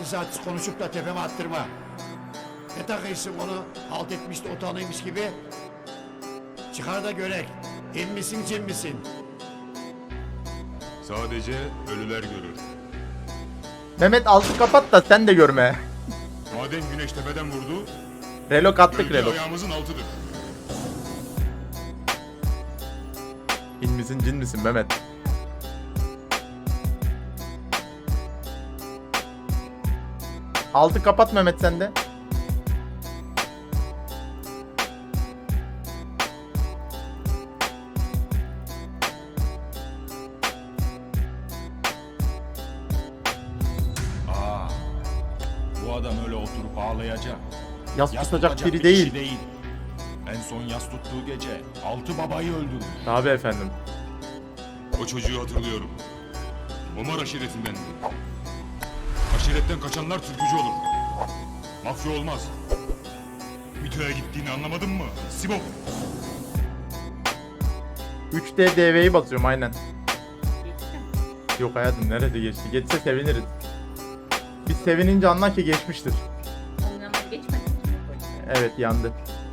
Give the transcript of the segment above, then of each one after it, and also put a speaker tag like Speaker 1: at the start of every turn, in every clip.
Speaker 1: artist konuşup da tepeme attırma. Ne takıyorsun onu halt etmiş de utanıymış gibi? Çıkar da görek. İn misin cin misin?
Speaker 2: Sadece ölüler görür.
Speaker 3: Mehmet altı kapat da sen de görme.
Speaker 2: Madem güneş tepeden vurdu,
Speaker 3: Relok attık
Speaker 2: gölge
Speaker 3: relok.
Speaker 2: ayağımızın altıdır.
Speaker 3: İn misin cin misin Mehmet? Altı kapat Mehmet sen de.
Speaker 2: Bu adam öyle oturup ağlayacak.
Speaker 3: Yas
Speaker 2: Yas
Speaker 3: tutacak
Speaker 2: tutacak
Speaker 3: biri
Speaker 2: bir kişi
Speaker 3: değil.
Speaker 2: değil. En son yas tuttuğu gece 6 babayı öldürdü.
Speaker 3: Tabii efendim.
Speaker 2: O çocuğu hatırlıyorum. Omar aşiretindendi. Aşiretten kaçanlar türkücü olur. Mafya olmaz. MİTÖ'ye gittiğini anlamadın mı? Sibop.
Speaker 3: 3D DV'yi basıyorum aynen. Yok hayatım nerede geçti? Geçse seviniriz. Biz sevinince anla ki geçmiştir.
Speaker 4: Ondan geçmedi.
Speaker 3: Evet yandı.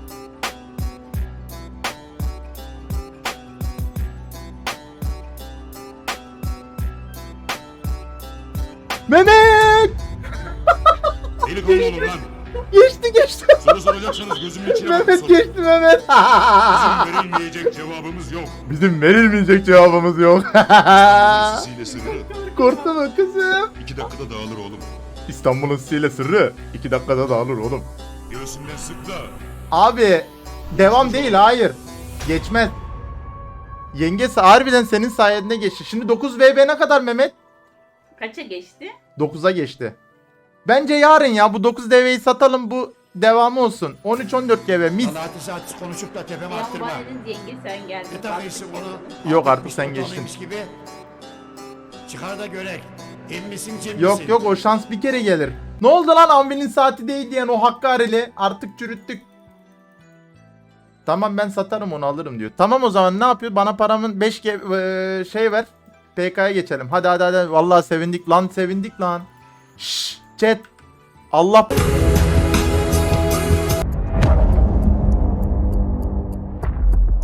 Speaker 3: Mehmet!
Speaker 2: Delikanlı olun lan.
Speaker 3: Geçti.
Speaker 2: Soru soracaksanız gözümün içine bakın
Speaker 3: Mehmet
Speaker 2: sorun.
Speaker 3: geçti Mehmet.
Speaker 2: Bizim verilmeyecek cevabımız yok.
Speaker 3: Bizim verilmeyecek cevabımız yok.
Speaker 2: Sisiyle sırrı
Speaker 3: Korktu mu kızım?
Speaker 2: 2 dakikada dağılır oğlum.
Speaker 3: İstanbul'un sihirli sırrı 2 dakikada dağılır oğlum.
Speaker 2: Göğsümden sık da.
Speaker 3: Abi devam değil hayır. Geçmez. Yengesi harbiden senin sayende geçti. Şimdi 9VB ne kadar Mehmet?
Speaker 4: Kaça geçti?
Speaker 3: 9'a geçti. Bence yarın ya bu 9DV'yi satalım bu devamı olsun. 13-14GB mis.
Speaker 1: Bana artist konuşup da tepeme
Speaker 4: Ya
Speaker 1: attırma.
Speaker 4: Bahar'ın yenge sen geldin.
Speaker 1: Ne takıyorsun onu?
Speaker 3: Yok
Speaker 1: halt
Speaker 3: artık
Speaker 1: etmiş
Speaker 3: sen
Speaker 1: de
Speaker 3: geçtin.
Speaker 1: utanıymış gibi? Çıkar da görek. İn misin cin
Speaker 3: Yok
Speaker 1: misin?
Speaker 3: yok o şans bir kere gelir. Ne oldu lan Anvil'in saati değil diyen o Hakkari'li artık çürüttük. Tamam ben satarım onu alırım diyor. Tamam o zaman ne yapıyor? Bana paramın 5 şey ver. PK'ya geçelim. Hadi. Vallahi sevindik lan. Şşş chat. Allah